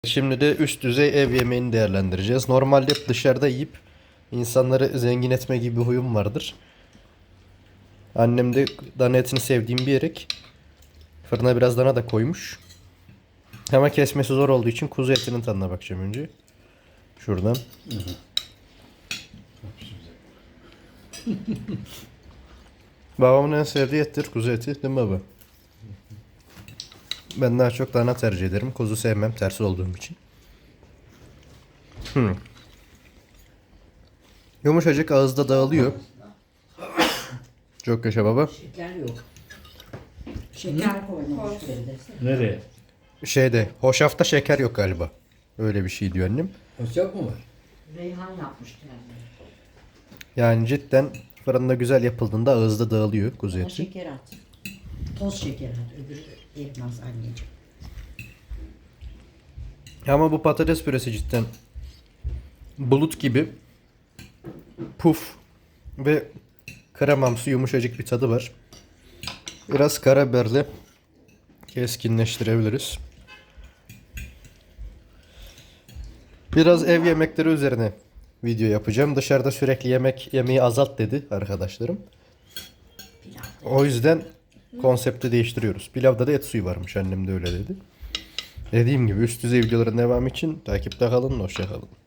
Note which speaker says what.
Speaker 1: Şimdi de üst düzey ev yemeğini değerlendireceğiz. Normalde hep dışarıda yiyip insanları zengin etme gibi bir huyum vardır. Annem de dana etini sevdiğim diyerek fırına biraz dana da koymuş. Ama kesmesi zor olduğu için kuzu etinin tadına bakacağım önce. Şuradan. Babamın en sevdiği ettir kuzu eti, değil mi baba? Ben daha çok dana tercih ederim. Kuzu sevmem, tersi olduğum için. Yumuşacık, ağızda dağılıyor. Çok yaşa baba.
Speaker 2: Şeker yok. Şeker koymamış desene.
Speaker 3: Nereye?
Speaker 1: Şeyde, hoşafta şeker yok galiba. Öyle bir şey diyor annem.
Speaker 3: Hoşaf mı var?
Speaker 2: Reyhan yapmış kendine.
Speaker 1: Yani cidden fırında güzel yapıldığında ağızda dağılıyor kuzu
Speaker 2: Ama
Speaker 1: eti.
Speaker 2: şeker at. Toz şeker at. Öbürü erimez anneciğim.
Speaker 1: Ama bu patates püresi cidden bulut gibi puf ve kremamsı yumuşacık bir tadı var. Biraz karabiberle keskinleştirebiliriz. Biraz ev yemekleri üzerine video yapacağım. Dışarıda sürekli yemek yemeyi azalt dedi arkadaşlarım.
Speaker 2: Pilav.
Speaker 1: O yüzden konsepti değiştiriyoruz. Pilavda da et suyu varmış. Annem de öyle dedi. Dediğim gibi üst düzey videoların devamı için takipte kalın. Hoşça kalın.